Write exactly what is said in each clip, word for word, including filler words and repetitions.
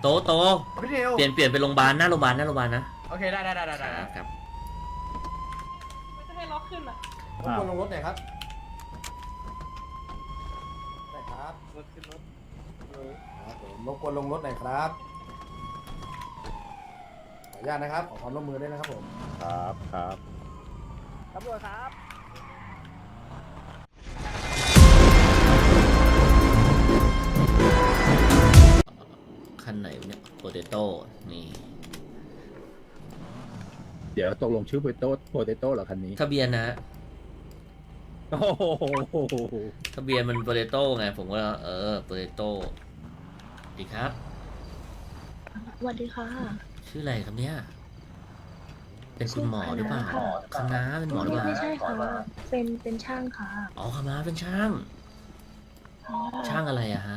โตโตพี่เทลเปลี่ยนเปลี่ยนไปโรงพยาบาลหน้าโรงพยาบาลหน้าโรงพยาบาลนะโอเคได้ได้ได้ได้ครับมันจะให้ล็อกขึ้นอ่ะรบกวนลงรถหน่อยครับได้ครับรถขึ้นรถครับผมรบกวนลงรถหน่อยครับขออนุญาตนะครับขอความร่วมมือด้วยนะครับผมครับครับตำรวจครับคันไหนเนี่ยโปเตโต้นี่เดี๋ยวตกลงชื่อโปเตโต้โปเตโต้เหรอคันนี้ทะเบียนนะโอ้โหทะเบียนมันโปเตโต้ไงผมก็เออโปเตโต้ดีครับสวัสดีค่ะชื่ออะไรครับเนี่ยเป็นคุณหมอหรือเปล่าคณะเป็นหมอหรือเปล่าไม่ใช่ค่ะเป็นเป็นช่างค่ะอ๋อคณะเป็นช่างช่างอะไรอะฮะ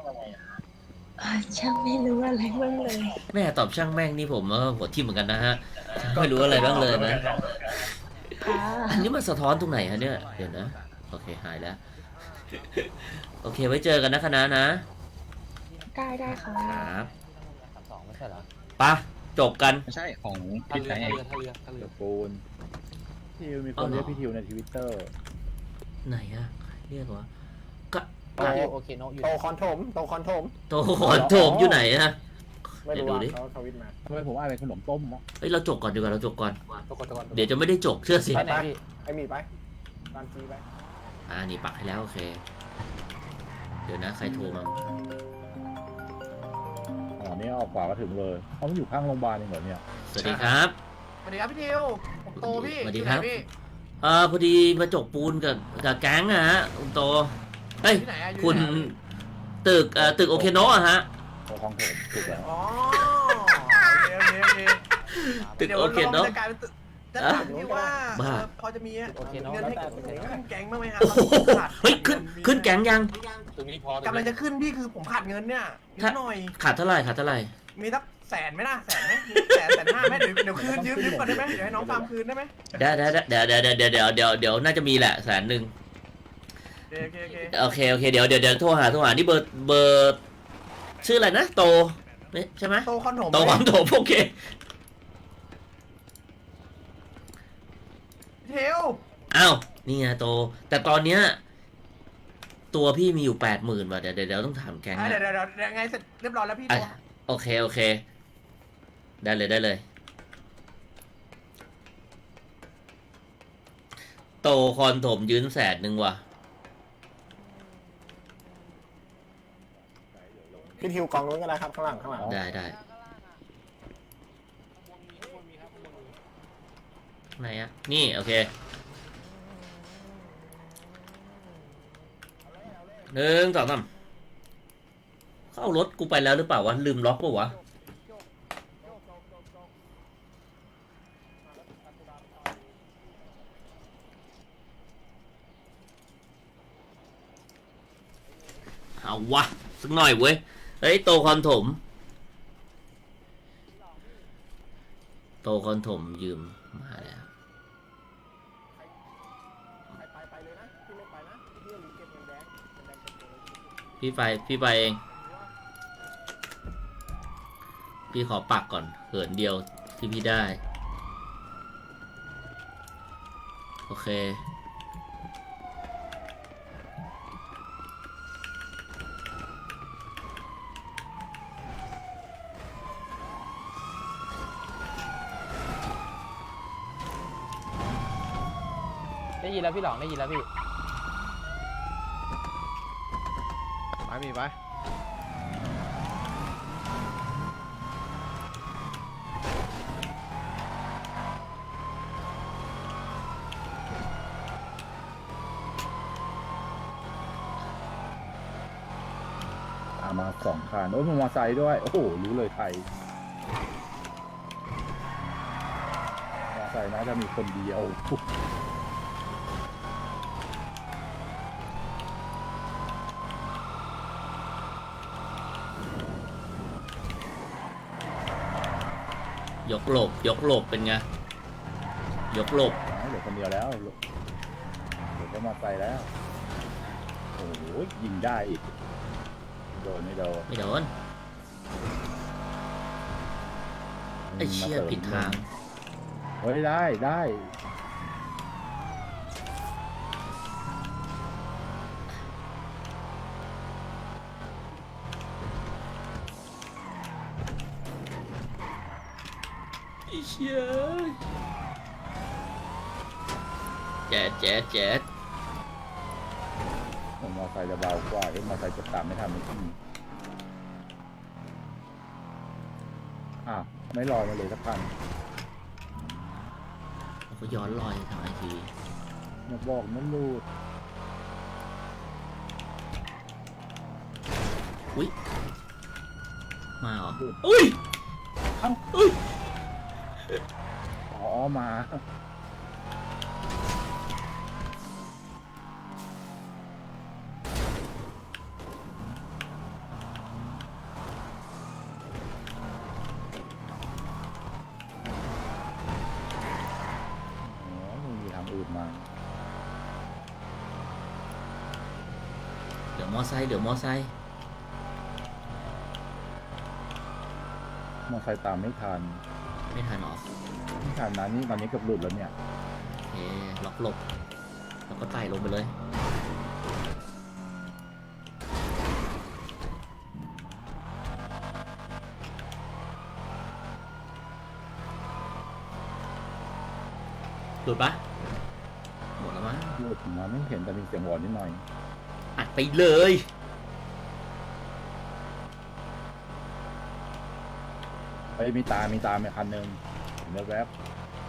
ช่างไม่รู้อะไรบ้างเลยแม่ตอบช่างแม่งนี่ผมว่าหัวทิ่มเหมือนกันนะฮะไม่รู้อะไรบ้างเลยนะอันนี้มันสะท้อนตรงไหนฮะเนี่ยเดี๋ยวนะโอเคหายแล้วโอเคไว้เจอกันนะคณะนะได้ได้ค่ะครับสองไม่ใช่เหรอปะจบกันไม่ใช่ของพี่ไทยท่าเรือท่าเรือปูนทิวมีคนเรียกพี่ทิวในทวิตเตอร์ไหนอะเรียกว่าก็โอเคโนอยู่โตคอนโถมโตคอนโถมโตคอนโถมอยู่ไหนอะไม่รู้ดิเขาทวิตมาทำไมผมอ่านเป็นขนมต้มวะเฮ้ยเราจบก่อนดีกว่าเราจบก่อนเดี๋ยวจะไม่ได้จบเชื่อสิไปไหนพี่ไอมีไปตามจีไปอ่านี่ปักให้แล้วโอเคเดี๋ยวนะใครโทรมาอ๋อนี่ออกขวาก็ถึงเลยเขาไม่อยู่ข้างโรงพยาบาลเองเหรอเนี่ยสวัสดีครับสวัสดีครับพี่ทิวผมโตพี่สวัสดีครับเออพอดีมาจกปูนกับกับแก๊งอะฮะคุณโตเฮ้ยคุณตึกเอ่อตึกโอเคโนะอะฮะโอของผมถูกแล้วอ๋อโอเคโอเคโอเคตึกโอเคโนะจะกลายเป็นตึกจะถามพี่ว่าพอจะมีเงินให้ขึ้นแก๊งบ้างไหมครับเฮ้ยขึ้นขึ้นแก๊งยังกำลังจะขึ้นพี่คือผมขาดเงินเนี่ยนิดหน่อยขาดเท่าไหร่ขาดเท่าไหร่มีสักแสนไหมล่ะแสนไหมแสนแสนห้าไหมเดี๋ยวเดี๋ยวคืนยืมยืมก่อนได้ไหมเดี๋ยวให้น้องฟาร์มคืนได้ไหมได้ได้เดี๋ยวเดี๋ยวเดี๋ยวเดี๋ยวเดี๋ยวเดี๋ยวน่าจะมีแหละแสนหนึ่งโอเคโอเคโอเคโอเคเดี๋ยวเดี๋ยวเดี๋ยวโทรหาโทรหานี่เบอร์เบอร์ชื่ออะไรนะโตใช่ไหมโตคอนโถมโตคอนโถมโอเคเทลอ้าวนี่ไงโตแต่ตอนเนี้ยตัวพี่มีอยู่แปดหมื่นว่ะเดี๋ยวเดี๋ยวต้องถามแกงเดี๋ยวเดี๋ยวเดี๋ยวไงเสร็จเรียบร้อยแล้วพี่ตัวโอเคโอเคได้เลยได้เลยโตคอนถมยืนแสนหนึ่งว่ะพี่ทิวกองนู้นก็ได้ครับข้างหลังข้างหลังได้ได้ไหนอะนี่โอเคหนึ่งสองสามเข้ารถกูไปแล้วหรือเปล่าวะลืมล็อกป่ะวะเอาวะสักหน่อยเว้ยเฮ้ยโตคอนถมโตคอนถมยืมมาแล้วพี่ไปพี่ไปเองพี่ขอปักก่อนเหินเดียวที่พี่ได้โอเคได้ยินแล้วพี่หลองได้ยินแล้วพี่ไปมีไปมาสองคันโอ้ยมันมอไซค์ด้วยโอ้โหรู้เลยไทยมอไซค์น่าจะมีคนเดียวยกหลบยกหลบเป็นไงยกหลบเหลือคนเดียวแล้วเหลือแค่มอไซค์แล้วโอ้โหยิงได้อีกโดนไม่โดนไม่โดนไอ้เชี่ยผิดทางเฮ้ยได้ได้ไอ้เชี่ยแจ๊ดแจ๊ดแจ๊ดผมมอไซค์จะเบากว่าเอ็มมอไซค์จะตามไม่ทันไม่ที่อ้าวไม่ลอยมาเลยสักพันเขาย้อนรอยทางไอทีอย่าบอกนั่นลูดอุ้ยมาเหรออุ้ยเอ้าอุ้ยอ๋อมาอ๋อมึงมีทางอื่นมาเดี๋ยวมอไซค์เดี๋ยวมอไซค์มอไซค์ตามไม่ทันไม่ทันหรอไม่ทันนะนี่ตอนนี้เกือบหลุดแล้วเนี่ยโอเคล็อกหลบแล้วก็ไต่ลงไปเลยหลุดปะหมดแล้วมั้งหลุดมาไม่เห็นแต่มีเสียงหวอนนิดหน่อยอัดไปเลยเฮ้ยมีตา มีตามีคันหนึ่งเห็นแวบ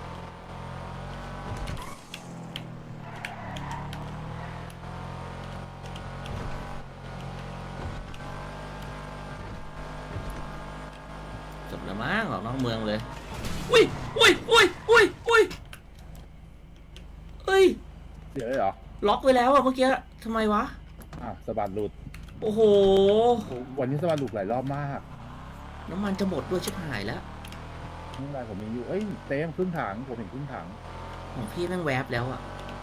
จบแล้วมั้งออกนอกเมืองเลยอุ้ยอุ้ยอุ้ยอุ้ยอุ้ยเอ้ยๆเสียเลยเหรอล็อกไว้แล้วอะเมื่อกี้ทำไมวะอ่ะสะบัดหลุดโอ้โหโอ้วันนี้สะบัดหลุดหลายรอบมากน้ำมันจะหมดด้วยชิบหายแล้วไม่เป็นไรผมมีอยู่ เอ้ยเต็มครึ่งถังผมเห็นครึ่งถังของพี่แม่งแวบแล้วอะ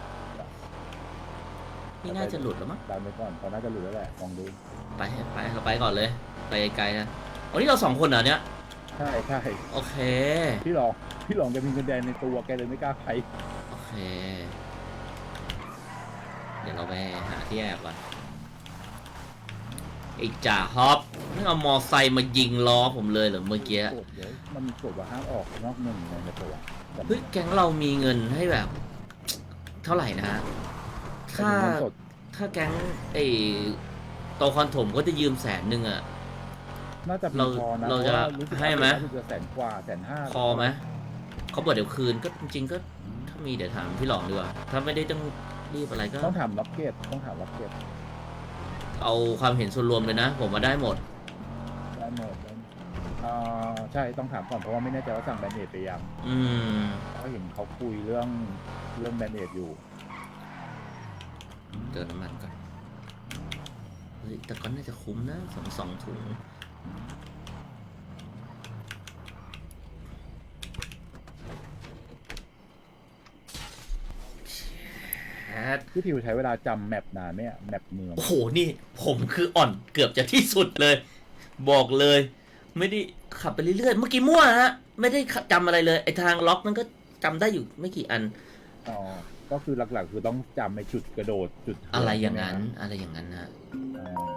นี่น่าจะหลุดแล้วมั้งดันไปก่อนตอนน่าจะหลุดแล้วแหละลองดูไปไปเราไปก่อนเลย ไปไกลนะวันนี้เราสองคนเหรอเนี่ยใช่ใช่โอเคพี่หลองพี่หลองแกมีเงินแดงในตัวแกเลยไม่กล้าไปโอเค เดี๋ยวเราไปหาที่แอบก่อนไอ้จ่าฮอปไม่เอามอไซค์มายิงล้อผมเลยเหรอเมื่อกี้กดเดี๋ยวมันมีกฎว่าห้ามออกนอกเมืองในตัวเฮ้ยแก๊งเรามีเงินให้แบบ เท่าไหร่นะฮะถ้าเงินสดถ้าแก๊งไอ้โตคอนถมก็จะยืมแสนหนึ่งอะน่าจะเราพอนะเราจะพว่รู้สึกให้ไหมรู้สึกจะแสนกว่าแสนห้าพอไหมเขาบอกเดี๋ยวคืนก็จริงๆก็ถ้ามีเดี๋ยวถามพี่หลองดีกว่าถ้าไม่ได้ต้องรีบอะไรก็ต้องถามล็อกเก็ตต้องถามล็อกเก็ตเอาความเห็นส่วนรวมเลยนะ ผมมาได้หมดได้หมดได้หมดอ่าใช่ต้องถามก่อนเพราะว่าไม่แน่ใจว่าสั่งแบนเนตไปยังอืมเขาเห็นเขาคุยเรื่องเรื่องแบนเนตอยู่เติมน้ำมันก่อนเฮ้ยแต่ก็น่าจะคุ้มนะสองสองถุงแอดพี่ทิวใช้เวลาจำแมปนานไหมอะแมปเมืองโอ้โห นี่ผมคืออ่อนเกือบจะที่สุดเลย บอกเลย ไม่ได้ขับไปเรื่อยๆ เมื่อกี้มั่วฮะ ไม่ได้จำอะไรเลย ไอทางล็อกมันก็จำได้อยู่ไม่กี่อันอ๋อก็คือหลักๆ คือต้องจำในจุดกระโดดจุดอะไรอย่างนั้น อะไรอย่างนั้นนะอ่า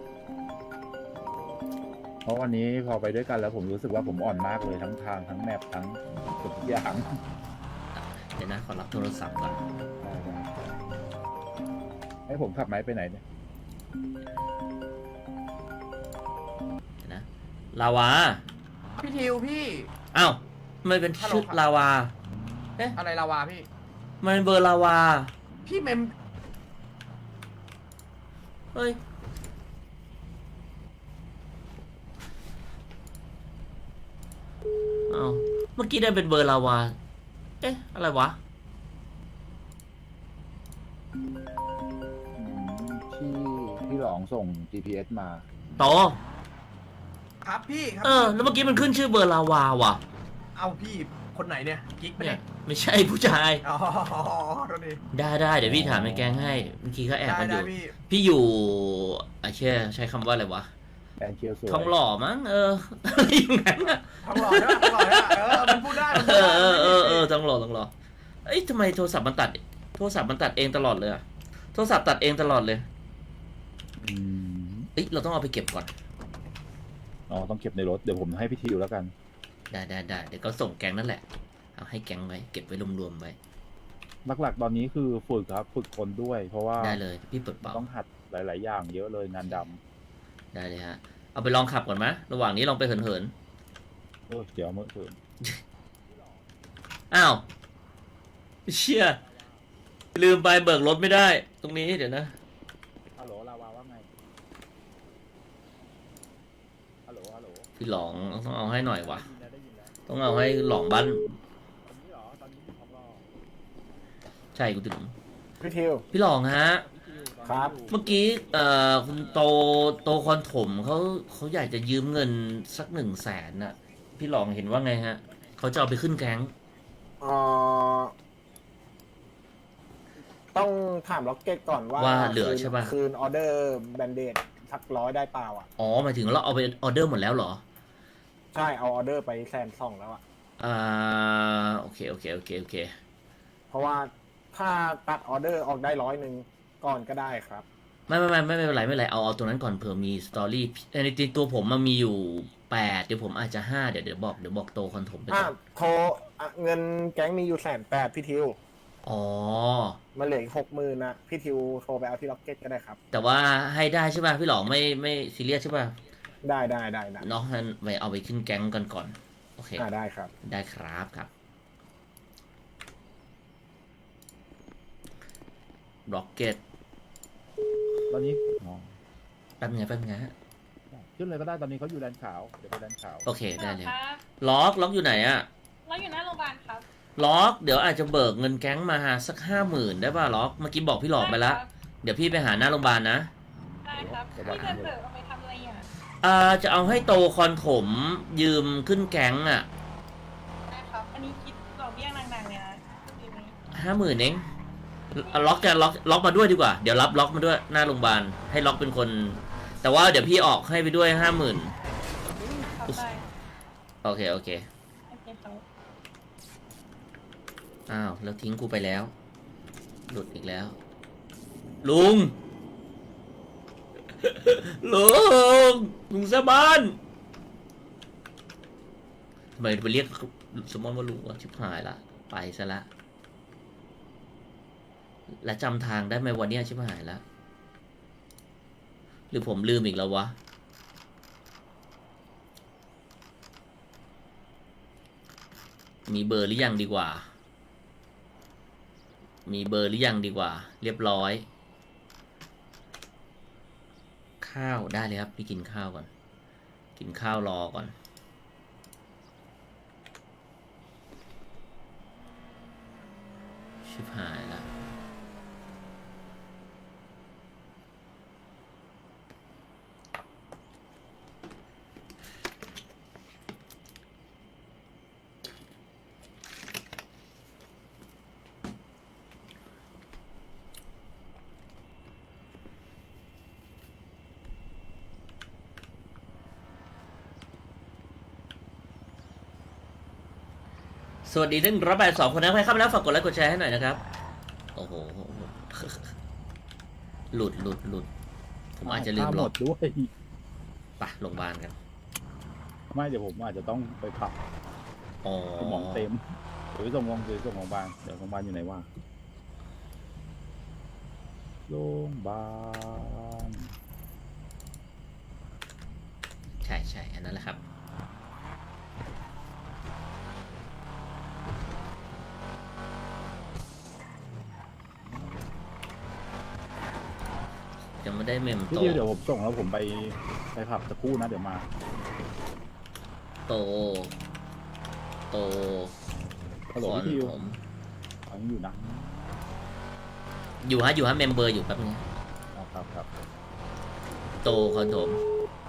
เพราะวันนี้พอไปด้วยกันแล้วผมรู้สึกว่าผมอ่อนมากเลยทั้งทางทั้งแมปทั้งทุกอย่างเดี๋ยวนะ ขอรับโทรศัพท์ก่อนให้ผมขับไม้ไปไหนเนี่ยเดี๋ยวนะ ลาวาพี่ทิวพี่อ้าวทำไมเป็นชื่อลาวาอะไรลาวาพี่มันเป็นเบอร์ลาวาพี่เมมเฮ้ย อ้าวเมื่อกี้ได้เป็นเบอร์ลาวา เอ๊ะ อะไรวะอืมที่ที่หลองส่ง จี พี เอส มาโตครับพี่ครัเออ แล้วเมื่อกี้มันขึ้นชื่อเบอร์ลาวาว่ะเอาพี่คนไหนเนี่ยกิ๊กไปะเนี่เนี่ย ยไม่ใช่ผู้ชายอ๋อโทษทีได้ได้เดี๋ยวพี่ถามในแกงให้ เมื่อกี้เขาแอบได้กันอได้ยู่พี่พี่อยู่อ่ะเช่ใช้คำว่าอะไรวะแอนเคียวสวยทองหล่อมั้งเออ อะไรอย่างนั้นอะทองหล่อใช่ปะทองหล่อใช่ปะเออมันพูดได้มันเอพูดอได้เออเออเออทองหล่อทองหล่อเอ้ยทำไมโทรศัพท์มันตัดโทรศัพท์มันตัดเองตลอดเลยอะโทรศัพท์ตัดเองตลอดเลยอืมเอ้ยเราต้องเอาไปเก็บก่อนอ๋อต้องเก็บในรถเดี๋ยวผมให้พี่ทิวแล้วกันได้ได้ได้เดี๋ยวก็ส่งแก๊งนั่นแหละเอาให้แก๊งไว้เก็บไว้รวมๆไว้หลักๆตอนนี้คือฝึกครับฝึกคนด้วย เพราะว่าได้เลยพี่เปิดเป่าต้องหัดหลาย ๆ อย่างเยอะเลยงานดได้เลยฮะเอาไปลองขับก่อนไหมระหว่างนี้ลองไปเหินเหินำเออเดี๋ยวเมื่อคืนๆอ้าวเชี่ยลืมไปเบิกรถไม่ได้ ตรงนี้เดี๋ยวนะฮัลโหลลาวาว่าไงฮัลโหลฮัลโหลพี่หลองต้องเอาให้หน่อยวะได้ยินแล้วได้ยินแล้วต้องเอาให้หลองบ้านตอนนี้เหรอตอนนี้มีทองรอใช่กูถึงพี่ทิวพี่หลองฮะครับเมื่อกี้เอ่อคุณโตโตคอนถมเขาเขาอยากจะยืมเงินสักหนึ่งแสนน่ะ พี่หลองเห็นว่าไงฮะเขาจะเอาไปขึ้นแก๊งเอ่อต้องถามล็อกเก็ตก่อนว่าว่าเหลือใช่ป่ะคืนออเดอร์แบนเดดสักร้อยได้เปล่าอ่ะอ๋อหมายถึงเราเอาไปออเดอร์หมดแล้วเหรอใช่เอาออเดอร์ไปแสนสองแล้วอ่ะอ่าโอเคโอเคโอเคโอเคเพราะว่าถ้าตัดออเดอร์ออกได้ร้อยหนึ่งก่อนก็ได้ครับไม่ไม่ไม่ไม่ไม่เป็นไรไม่เป็นไรเอาเอาตัวนั้นก่อนเผื่อมีสตอรี่ในจริงตัวผมมันมีอยู่แปดเดี๋ยวผมอาจจะห้าเดี๋ยวเดี๋ยวบอกเดี๋ยวบอกโตคอนถมไปอ่ะก่อนโทรอ่ะเงินแก๊งมีอยู่แสนแปดพี่ทิวอ๋อมันเหลืออีกหกหมื่นนะพี่ทิวโทรไปเอาที่ล็อกเก็ตก็ได้ครับแต่ว่าให้ได้ใช่ป่ะพี่หลองไม่ไม่ซีเรียสใช่ป่ะได้ได้ได้ได้เนาะงั้นไปเอาไปขึ้นแก๊งกันก่อนโอเคอ่าได้ครับได้ครับครับร็อกเก็ตตอนนี้อ๋อแป๊บไงแป๊บไงฮะขึ้นเลยก็ได้ตอนนี้เขาอยู่แดนขาวเดี๋ยวไปแดนขาวโอเคได้เลยครับล็อกล็อกอยู่ไหนอะเราอยู่หน้าโรงพยาบาลครับล็อกเดี๋ยวอาจจะเบิกเงินแก๊งมาสักห้าหมื่นได้ป่ะล็อกเมื่อกี้บอกพี่หลอกไปแล้ว เดี๋ยวพี่ไปหาหน้าโรงพยาบาลนะได้ครับพี่จะเบิกเอาไปทำอะไรอ่ะอ่าจะเอาให้โตคอนถมยืมขึ้นแก๊งอะได้ครับ อันนี้คิดดอกเบี้ยนางๆเลยนะดีไหมห้าหมื่นเองเอาล็อกจะล็อกล็อกมาด้วยดีกว่าเดี๋ยวรับล็อกมาด้วยหน้าโรงพยาบาลให้ล็อกเป็นคน แต่ว่าเดี๋ยวพี่ออกให้ไปด้วยห้าหมื่นครับได้โอเคโอเคโอเคครับอ้าวแล้วทิ้งกูไปแล้ว หลุดอีกแล้ว ลุง ลุงลุงสมานทำไมไปเรียกสมอนว่าลุงวะชิบหายละไปซะละและจำทางได้ไหมวันนี้ชิบหายละหรือผมลืมอีกแล้ววะมีเบอร์หรือยังดีกว่า มีเบอร์หรือยังดีกว่า เรียบร้อย ข้าวได้เลยครับพี่กินข้าวก่อน กินข้าวรอก่อน ชิบหายละสวัสดีท่านรับแปดสองคนนะครับใครเข้ามาแล้วฝากกดไลค์กดแชร์ให้หน่อยนะครับ โอ้โห หลุดหลุดหลุดผมอาจจะลืมหหลมบดด้วยไปโรงพยาบาลกันไม่เดี๋ยวผมอาจจะต้องไปพักอ๋อสมองเต็มเดี๋ยวไปส่งโรงพยาบาลเดี๋ยวส่งโรงพยาบาลเดี๋ยวโรงพยาบาลอยู่ไหนวะโรงพยาบาลใช่ใช่อันนั้นแหละครับ ยังไม่ได้เมมพี่โตทิวเดี๋ยวผมส่งแล้วผมไปไปผับสักครู่นะเดี๋ยวมาโต โตฮัลโหลคอนพี่ทิวผมฟังอยู่นะอยู่ฮะอยู่ฮะเมมเบอร์อยู่แป๊บนึงอ๋อครับครับโตคอนโถม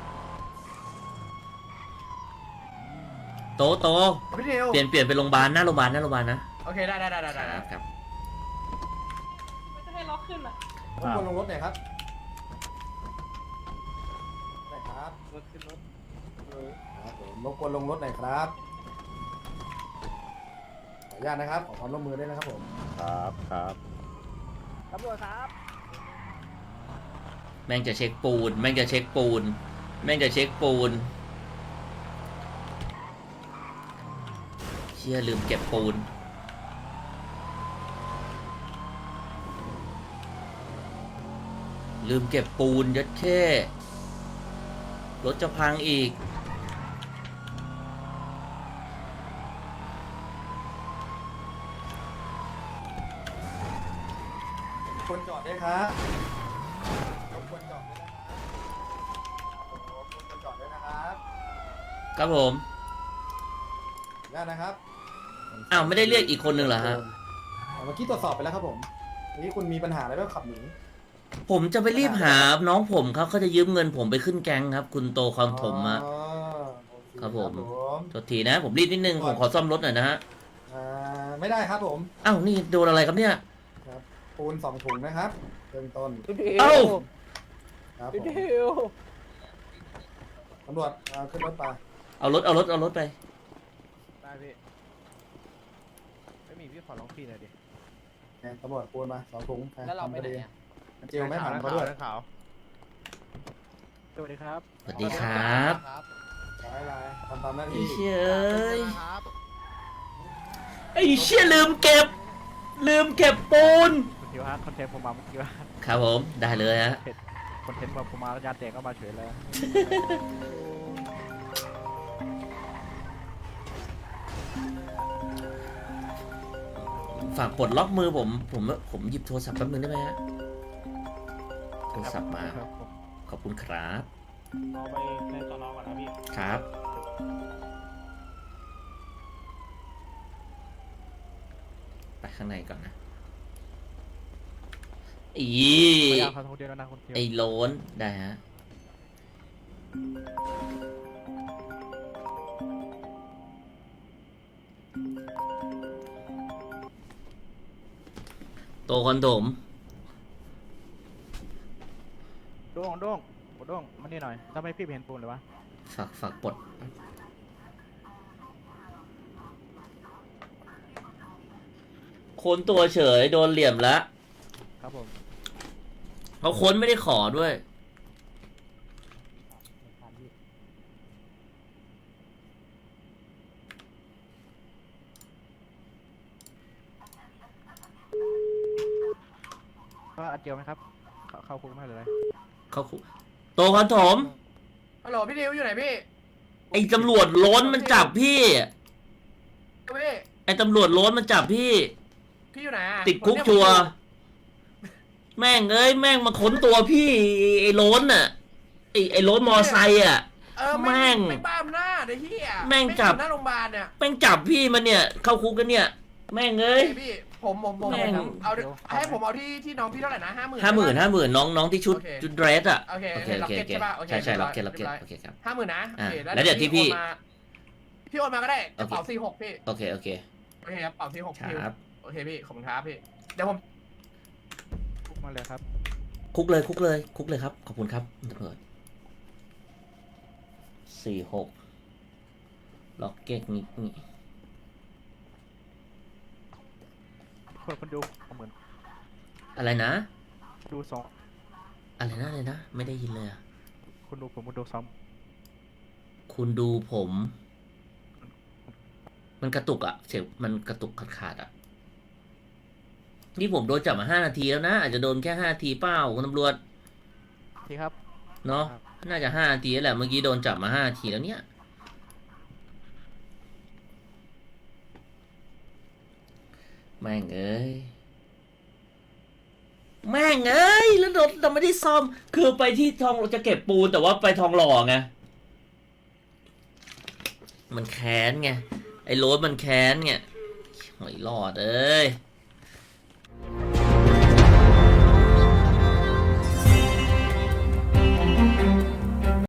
โตโตพี่ทิวเปลี่ยนเปลี่ยนไปโรงพยาบาลหน้าโรงพยาบาลหน้าโรงพยาบาลนะโอเคได้ได้ได้ได้คได้รับครับไม่จะให้ล็อกขึ้นอ่ะรบกวนลงรถหน่อยครับได้ครับครับผมรบกวนลงรถหน่อยครับขออนุญาตนะครับขอความร่วมมือด้วยนะครับผมครับครับตำรวจครับแม่งจะเช็คปูน แม่งจะเช็คปูน แม่งจะเช็คปูนเชี่ยลืมเก็บปูน ลืมเก็บปูนยัดแค่รถจะพังอีกคนจอดด้วยครับรบกวนจอดด้วยนะครับรบกวนจอดด้วยนะครับครับผมขออนุญาตนะครับอ้าวไม่ได้เรียกอีกคนหนึ่งเหรอฮะเมื่อกี้ตรวจสอบไปแล้วครับผมเมื่อกี้คุณมีปัญหาอะไรบ้างขับหนีผมจะไปรีบหาน้องผมครับเขาจะยืมเงินผมไปขึ้นแก๊งครับ คุณโตคอนถมอะอ๋อโอเครับผมครับผมโทษทีนะ ผมรีบนิดนึง ผมขอซ่อมรถหน่อยนะฮะอ่าไม่ได้ครับผมอ้าวนี่โดนอะไรครับเนี่ยครับปูนสองถุงนะครับเริ่มต้นพี่ทิวเอ้าครับผพี่มทิวตำรวจเอาขึ้นรถไปเอารถเอารถเอารถไปได้พี่ไม่มีพี่ขอลองพี่หน่อยดิเนี่ยตำรวจปูนมาสองถุงแล้วเราไปไหนอะเจลไม่ผ่านเขาด้วยสวัสดีครับสวัสดีครับลายลายทำตามหน้าไอ้ที่เชี่ยเอ้ยไอ้เชี่ยลืมเก็บ ลืมเก็บปูนคุณทิวฮะคอนเทนต์ผมมาเมื่อกี้ว่าครับผมได้เลยฮะคอนเทนต์ว่าผมมายาแตกก็มาเฉยเลยฝากปลดล็อกมือผม ผมผมหยิบโทรศัพท์แป๊บนึงได้ไหมฮะ โทรศัพท์มา ขอบคุณครับเอาไปในตอนนอนก่อนนะพี่ครับ ไปข้างในก่อนนะอีพยายามเขาคนเดียวนะคนเดียวไอ้โล้นได้ฮะ โตคอนโดมโด้งโด้งโด้งมานี่หน่อยทำไมพี่เห็นปูนเลยวะฝากฝากปลดค้นตัวเฉย โดนเหลี่ยมแล้วครับผมเขาค้นไม่ได้ขอด้วยก็อัดเจียวไหมครับ เข้าเข้าคุกไหมหรืออะไรเขาคุโตคอนโถมฮัลโหลพี่ดิวอยู่ไหนพี่ไอ้ตำรวจโล้นมันจับพี่พี่ไอ้ตำรวจโล้นมันจับพี่พี่อยู่ไหนอะติดคุกชัวร์แม่งเอ้ยแม่งมาค้นตัวพี่ไอ้โล้นน่ะไอ้ไอ้โล้นมอไซค์อ่ะเออแม่แม่งงไม่บ้ามหน้าเดี๋ยวพี่อะแม่งจับอยู่หน้าโรงพยาบาลเนี่ยแม่งจับพี่มันเนี่ย เข้าคุกกันเนี่ย แม่งเอ้ยพี่ผมผมผมแม่งเอาให้ผมเอาที่ที่น้องพี่เท่าไหร่นะห้าหมื่นห้าหมื่นห้าหมื่นน้องน้องที่ชุดโอเคชุดเดรสอ่ะโอเคโอเคโอเคโอเคล็อกเก็ตใช่ปะโอเคใช่ใช่เรียบร้ล็ออย กเก็ตล็อกเก็ตเรียบร้อยโอเคครับห้าหมื่นนะอ่าโอเคแล้วเดี๋ยวที่พี่โอนมาพี่โอนมาก็ได้กระเป๋าโอเคสี่หกพี่โอเคโอเคโอเคครับกระเป๋าสี่หกคพี่รับโอเคพี่ขอบคุณครับพี่เดี๋ยวผมคุกมาเลยครับคุกเลยคุกเลยคุกเลยครับ ขอบคุณครับตำรวจสี่หกล็อกเก็ตนี่นี่คนคนดูเอาเหมือนอะไรนะดูสองอะไรนะอะไรนะ ไม่ได้ยินเลยอ่ะคนดูผมคนดูซ้อมคุณดูผม มันกระตุกอะเสียงมันกระตุกขาดขาดๆอะนี่ผมโดนจับมาห้านาทีแล้วนะ อาจจะโดนแค่ห้านาทีเปล่าคุณตำรวจที่ครับเนาะครับน่าจะห้านาทีแล้วแหละเมื่อกี้โดนจับมาห้านาทีแล้วเนี่ยแม่งเอ้ยแม่งเอ้ยแล้วรถเราไม่ได้ซ่อม คือไปที่ทองจะเก็บปูนแต่ว่าไปทองหล่อไงมันแค้นไงไอ้โรถมันแค้นไงหอยหลอดเอ้ย